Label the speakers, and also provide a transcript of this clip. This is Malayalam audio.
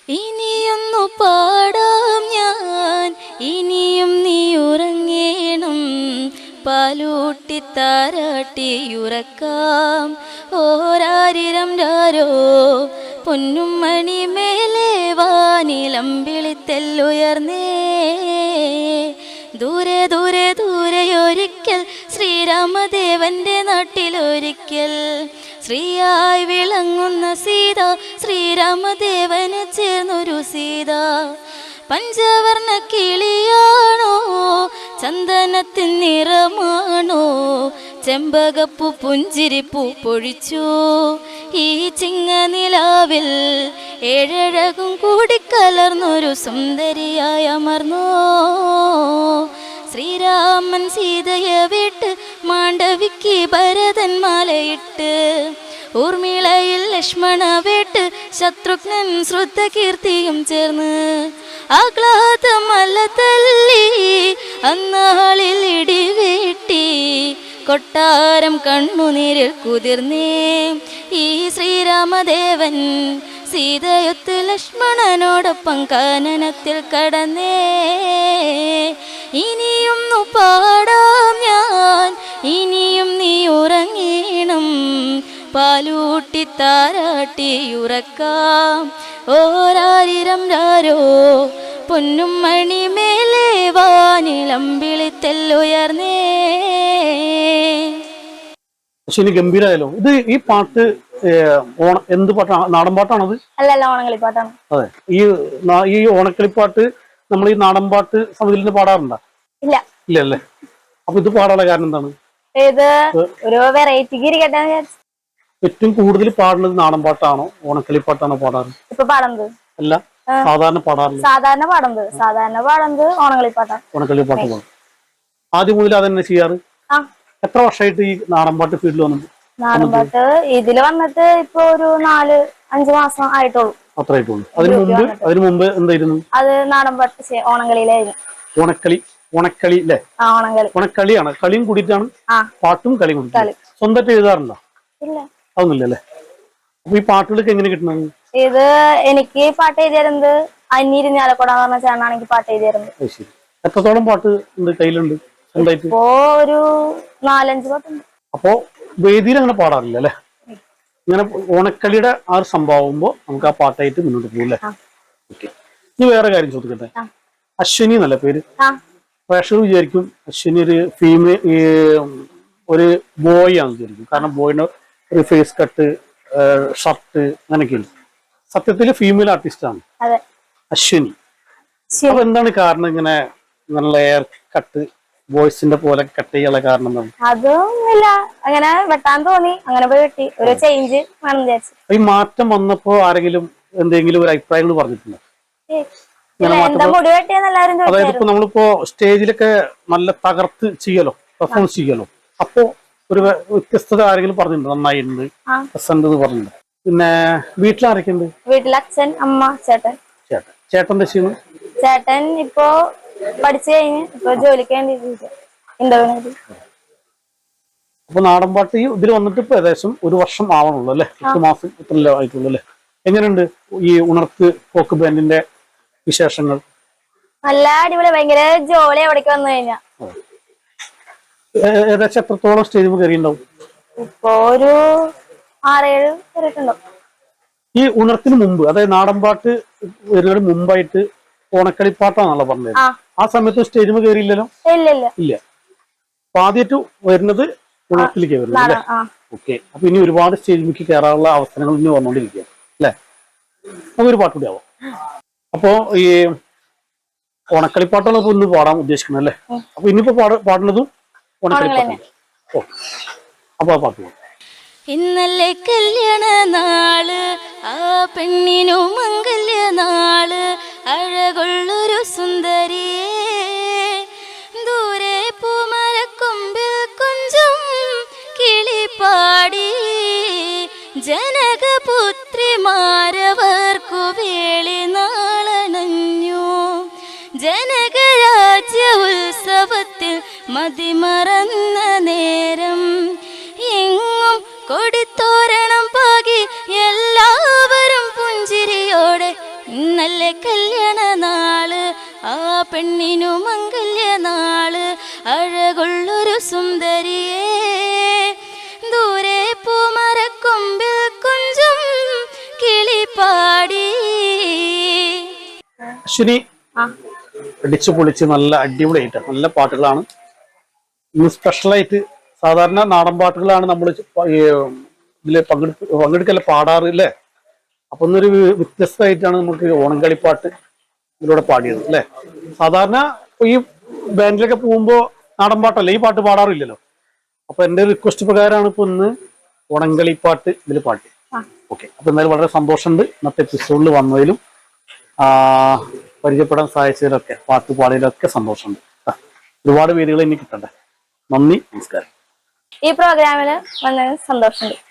Speaker 1: ഇനിയൊന്നു പാടാം ഞാൻ, ഇനിയും നീ ഉറങ്ങേണം. പാലൂട്ടി താരാട്ടി ഉറക്കാം. ഓരാരിരം രാരോ പൊന്നും മണി മേലെ വാനിലമ്പിളിത്തെല്ലുയർന്നേ. ദൂരെ ദൂരെ ദൂരെയൊരിക്കൽ ശ്രീരാമദേവന്റെ നാട്ടിലൊരിക്കൽ ശ്രീയായി വിളങ്ങുന്ന സീത, ശ്രീരാമദേവന് ചേർന്നൊരു സീത. പഞ്ചവർണ്ണ കിളിയാണോ, ചന്ദനത്തിൻ നിറമാണോ, ചെമ്പകപ്പൂ പുഞ്ചിരിപ്പൂ പൊഴിച്ചു ഈ ചിങ്ങനിലാവിൽ. ഏഴഴകും കൂടിക്കലർന്നൊരു സുന്ദരിയായി അമർന്നോ. ശ്രീരാമൻ സീതയെ വിട്ട് മാണ്ഡവിക്ക് ഭരതൻ മാലയിട്ട്. ഊർമിളയിൽ ലക്ഷ്മണ വേട്ട് ശത്രുഘ്നൻ ശ്രുതകീർത്തിയും ചേർന്ന്. ആഹ്ലാദമല തല്ലി അന്നാളിൽ ഇടിവേട്ടി. കൊട്ടാരം കണ്ണുനീരിൽ കുതിർന്നേ ഈ ശ്രീരാമദേവൻ. സീതയൊത്ത് ലക്ഷ്മണനോടൊപ്പം കാനനത്തിൽ കടന്നേ. ഇനിയൊന്നു പാടാം ഞാൻ, ഇനിയും നീ ഉറങ്ങീണം. പാലൂട്ടി താരാട്ടി ഉറക്കാം. ഓരാരിരം രാരോ പൊന്നും മണി മേലെ വാനിലമ്പിളിത്തെല്ലുയർന്നേ.
Speaker 2: ശരി, ഗംഭീരായാലോ. ഇത് ഈ പാട്ട് എന്ത് പാട്ടാണ്? നാടൻ പാട്ടാണത്?
Speaker 1: അല്ലല്ല, ഓണക്കളിപ്പാട്ടാണ്.
Speaker 2: അതെ. ഈ ഓണക്കളിപ്പാട്ട് നമ്മൾ ഈ നാടൻ പാട്ട് സമിതിയിൽ പാടാറുണ്ടോ?
Speaker 1: ഇല്ല.
Speaker 2: ഇല്ല അല്ലേ? അപ്പൊ ഇത് പാടാനുള്ള കാരണം എന്താണ്?
Speaker 1: ഒരു വെറൈറ്റിക്ക് ഇരിക്കട്ടെ.
Speaker 2: ഏറ്റവും കൂടുതൽ പാടുന്നത് നാടൻ പാട്ടാണോ ഓണക്കളിപ്പാട്ടാണോ പാടാറ്?
Speaker 1: ഇപ്പൊ പാടുന്നത്
Speaker 2: അല്ല, സാധാരണ പാടാറില്ല.
Speaker 1: സാധാരണ പാടുന്നത് ഓണക്കളിപ്പാട്ടാണ്.
Speaker 2: ഓണക്കളിപ്പാട്ട് പാടും. ആദ്യം മുതൽ അതെന്നെ ചെയ്യാറ്? എത്ര വർഷമായിട്ട് ഈ നാടൻ പാട്ട് ഫീൽഡിൽ വന്നത്?
Speaker 1: നാടൻ പാട്ട് ഇതില് വന്നിട്ട് ഇപ്പൊ ഒരു 4-5 മാസം ആയിട്ടുള്ളൂ.
Speaker 2: അത്ര ആയിട്ടുള്ളൂ. അതിനു മുമ്പ് എന്തായിരുന്നു?
Speaker 1: അത് നാടൻ പാട്ട് ഓണക്കളിയിലായിരുന്നു.
Speaker 2: ഓണക്കളി അല്ലേ? ഓണക്കളിയാണ്. കളിയും കൂടിയിട്ടാണ് പാട്ടും കളിയും കൂടി. സ്വന്തമായിട്ട് എഴുതാറുണ്ടോ?
Speaker 1: ഇല്ല,
Speaker 2: അതൊന്നുമില്ല അല്ലേ? അപ്പൊ ഈ പാട്ടുകളൊക്കെ എങ്ങനെ കിട്ടുന്നത്?
Speaker 1: ഇത് എനിക്ക് പാട്ട് എഴുതിയിരുന്നത് അന്യരിഞ്ഞാലക്കൊടാന്ന് പറഞ്ഞ ചേട്ടനാണ് എനിക്ക് പാട്ട് എഴുതിയിരുന്നത്.
Speaker 2: ശരി. എത്രത്തോളം പാട്ട് ഉണ്ട് കയ്യിലുണ്ട് സ്വന്തമായിട്ട്?
Speaker 1: ഇപ്പോ ഒരു 4-5 പാട്ടുണ്ട്.
Speaker 2: അപ്പോ വേദിയിൽ അങ്ങനെ പാടാറില്ല അല്ലെ? ഇങ്ങനെ ഓണക്കളിയുടെ ആ ഒരു സംഭവമാകുമ്പോ നമുക്ക് ആ പാട്ടായിട്ട് മുന്നോട്ട് പോകും അല്ലേ? ഓക്കെ. ഇനി വേറെ കാര്യം ചോദിക്കട്ടെ. അശ്വിനി എന്നല്ല പേര്. പ്രേക്ഷകർ വിചാരിക്കും അശ്വിനി ഒരു ബോയ് ആണെന്ന് വിചാരിക്കും. കാരണം ബോയിന് ഒരു ഫേസ് കട്ട്, ഷർട്ട് അങ്ങനെയൊക്കെയാണ്. സത്യത്തില് ഫീമെയിൽ ആർട്ടിസ്റ്റ് ആണ് അശ്വിനി. അപ്പൊ എന്താണ് കാരണം ഇങ്ങനെ എയർ കട്ട് വോയിസിന്റെ പോലെ കട്ട് ചെയ്യാനുള്ള കാരണം എന്താണ്?
Speaker 1: അതൊന്നുമില്ല, അങ്ങനെ വെട്ടാൻ തോന്നി, അങ്ങനെ പോയി വെട്ടി. ഒരു ചേഞ്ച് വേണം വിചാരിച്ചു.
Speaker 2: ഈ മാറ്റം വന്നപ്പോ ആരെങ്കിലും എന്തെങ്കിലും ഒരു അഭിപ്രായങ്ങൾ പറഞ്ഞിട്ടുണ്ടോ? അതായത് ഇപ്പൊ നമ്മളിപ്പോ സ്റ്റേജിലൊക്കെ നല്ല തകർത്ത് ചെയ്യലോ, പെർഫോമൻസ് ചെയ്യലോ, അപ്പോ ഒരു വ്യത്യസ്തത ആരെങ്കിലും പറഞ്ഞിട്ടുണ്ടോ? നന്നായിട്ടുണ്ട്, രസമുണ്ട് പറഞ്ഞിട്ടുണ്ട്. പിന്നെ വീട്ടിലാരൊക്കെ ഉണ്ട്?
Speaker 1: വീട്ടിൽ അച്ഛൻ, അമ്മ, ചേട്ടൻ.
Speaker 2: ചേട്ടൻ എന്താ ചെയ്യുന്നു?
Speaker 1: ചേട്ടൻ ഇപ്പോ പഠിച്ചു കഴിഞ്ഞ് ഇപ്പൊ ജോലിക്ക് വേണ്ടി ഇന്റർവ്യൂ.
Speaker 2: അപ്പൊ നാടൻ പാട്ട് ഇതിൽ വന്നിട്ട് ഇപ്പൊ ഏകദേശം 1 വർഷം ആവണുള്ളൂ അല്ലെ? 8 മാസം ഇത്രയല്ലേ ആയിട്ടുള്ളൂ അല്ലെ? എങ്ങനെയുണ്ട് ഈ ഉണർത്ത് ഫോക്ക് ബാൻഡിന്റെ വിശേഷങ്ങൾ?
Speaker 1: നല്ല അടിപൊളി, ഭയങ്കര ജോലി എവിടേക്ക് വന്നു കഴിഞ്ഞാ.
Speaker 2: ഏകദേശം എത്രത്തോളം സ്റ്റേജ് കയറിയിട്ടുണ്ടാവും?
Speaker 1: ഇപ്പൊ ഒരു 6-7 കയറിയിട്ടുണ്ടാവും.
Speaker 2: ഈ ഉണർത്തിന് മുമ്പ്, അതായത് നാടൻ പാട്ട് വരുന്നതിന് മുമ്പായിട്ട് ഓണക്കളിപ്പാട്ടാണല്ലോ പറഞ്ഞത്. ആ സമയത്ത് സ്റ്റേജിൽ കയറിയില്ലല്ലോ? ഇല്ല. അപ്പൊ ആദ്യമായിട്ട് വരുന്നത് ഉണർത്തിലേക്ക് വരുന്നത് അല്ലേ? ഓക്കെ. അപ്പൊ ഇനി ഒരുപാട് സ്റ്റേജിലേക്ക് കയറാനുള്ള അവസരങ്ങൾ ഇനി വന്നോണ്ടിരിക്കുക അല്ലെ? നമുക്കൊരു പാട്ട് കൂടി ആവാം. അപ്പോ ഈ ഓണക്കളിപ്പാട്ടാണ് ഇപ്പൊ ഇന്ന് പാടാൻ ഉദ്ദേശിക്കുന്നത് അല്ലേ? അപ്പൊ ഇനിയിപ്പോ പാടുന്നതും ഓണക്കളിപ്പാട്ടാണ്. ഓ, അപ്പൊ ആ പാട്ട് പാടും.
Speaker 1: ഇന്നലെ കല്യാണ നാള്, ആ പെണ്ണിനു മംഗല്യ നാള്, അഴകുള്ളൊരു സുന്ദരിയേ, ദൂരെ പൂമരക്കൊമ്പിൽ കുഞ്ചും കിളിപ്പാടി, ജനകപുത്രിമാരവർക്കു വേളി നാളണഞ്ഞു, ജനകരാജ്യ ഉത്സവത്തിൽ മതിമറന്ന നേരം, എങ്ങും കൊടിത്തോരണം പാകി എല്ലാവരും പുഞ്ചിരിയോടെ ഇന്നലെ
Speaker 3: കല്യാണ നാള് ആ പെണ്ണിനു മംഗല്യ നാള് അഴകുള്ളൊരു സുന്ദരിയേ ദൂരെ പൂമരക്കൊമ്പിൽ കുഞ്ചും കിളിപ്പാടി.
Speaker 2: അശ്വിനി അടിച്ചു പൊളിച്ച് നല്ല അടിപൊളിയായിട്ട് നല്ല പാട്ടുകളാണ് ഇന്ന് സ്പെഷ്യലായിട്ട്. സാധാരണ നാടൻ പാട്ടുകളാണ് നമ്മൾ ഇതില് പങ്കെടുക്കല്ല പാടാറ് അല്ലേ? അപ്പൊ ഇന്നൊരു വ്യത്യസ്തമായിട്ടാണ് നമുക്ക് ഓണക്കളിപ്പാട്ട് ഇതിലൂടെ പാടിയത് അല്ലെ. സാധാരണ ഈ ബാൻഡിലൊക്കെ പോകുമ്പോ നാടൻ പാട്ടല്ലേ ഈ പാട്ട് പാടാറില്ലല്ലോ. അപ്പൊ എന്റെ റിക്വസ്റ്റ് പ്രകാരമാണ് ഇപ്പൊ ഇന്ന് ഓണക്കളിപ്പാട്ട് ഇതിൽ പാട്ട്. ഓക്കെ, അപ്പൊ എന്തായാലും വളരെ സന്തോഷമുണ്ട് ഇന്നത്തെ എപ്പിസോഡിൽ വന്നതിലും പരിചയപ്പെടാൻ സഹായിച്ചതിലൊക്കെ പാട്ട് പാടിയതിലൊക്കെ സന്തോഷമുണ്ട്. ഒരുപാട് വേദികൾ ഇനി കിട്ടണ്ടേ. നന്ദി, നമസ്കാരം.
Speaker 1: ഈ പ്രോഗ്രാമിൽ വന്നതിന് സന്തോഷമുണ്ട്.